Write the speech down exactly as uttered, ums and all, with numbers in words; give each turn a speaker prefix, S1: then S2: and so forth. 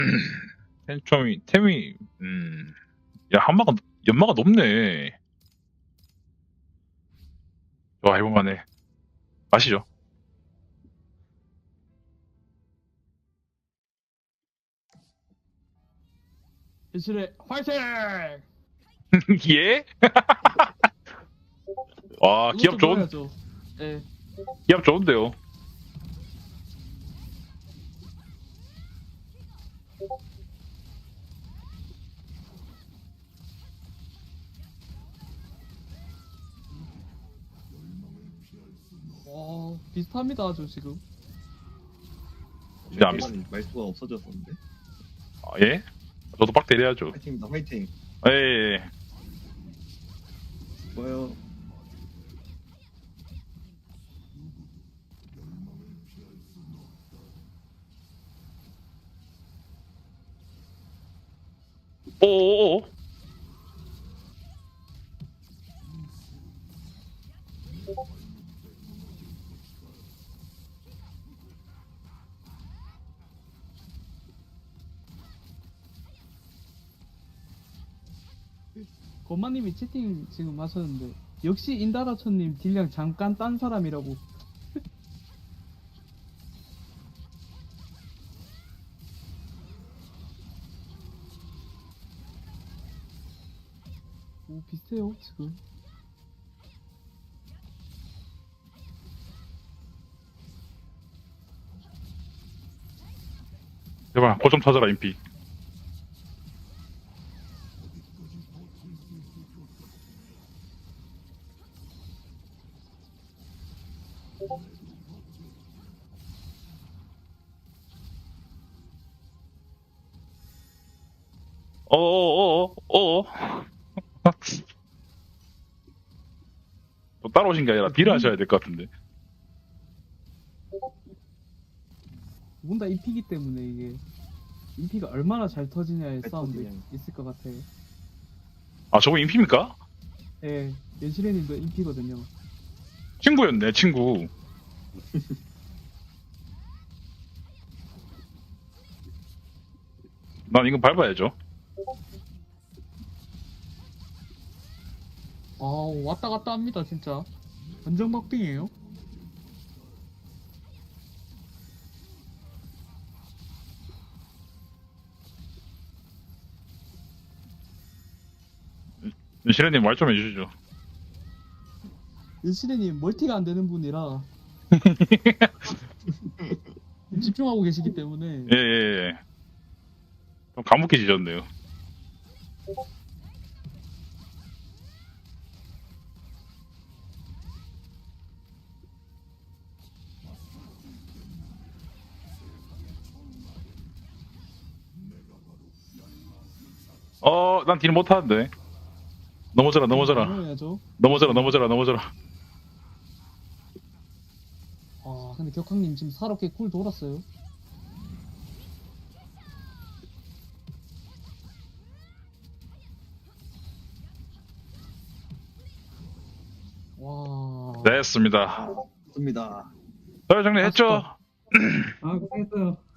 S1: 템이, 템이, 음, 야, 한마가, 연마가 높네. 좋아, 해볼만해. 마시죠.
S2: 이실의 화이팅!
S1: 예? 와, 기합
S2: 이것도
S1: 좋은,
S2: 넣어야죠. 예.
S1: 기합 좋은데요.
S2: 와, 비슷합니다, 아주 지금.
S1: 진짜 안 비슷,
S3: 는 말투가 없어졌었는데.
S1: 아, 예? 저도 빡 때려야죠.
S3: 화이팅입니다. 화이팅.
S1: 예, 예, 예.
S3: 좋아요.
S1: 오오오.
S2: 건마님이 채팅 지금 하셨는데 역시 인다라천님 딜량 잠깐 딴 사람이라고. 오, 비슷해요, 지금.
S1: 제발, 고좀 찾아라, 인피. 어어어어어. 또 따라오신 게 아니라 딜을 하셔야 될 것 같은데.
S2: 두 분 다 인피기 때문에 이게 인피가 얼마나 잘 터지냐의
S3: 잘
S2: 싸움도
S3: 터지냐.
S2: 있을 것 같아요.
S1: 아, 저거 인피입니까?
S2: 예, 연실해님도 인피거든요.
S1: 친구였네, 친구. 난 이거 밟아야죠.
S2: 아, 왔다 갔다 합니다, 진짜. 완전 막빙이에요.
S1: 시레님 말 좀 해주시죠.
S2: 연실해님 멀티가 안 되는 분이라 집중하고 계시기 때문에.
S1: 예, 예, 예. 좀 감옥해지셨네요. 어, 난 딜 못하는데. 넘어져라, 넘어져라.
S2: 넘어야죠.
S1: 넘어져라, 넘어져라, 넘어져라.
S2: 아, 근데 격항님 지금 사롭게 꿀 돌았어요. 와.
S1: 됐습니다.
S3: 좋습니다.
S1: 잘 정리했죠?
S2: 아, 고생했어요.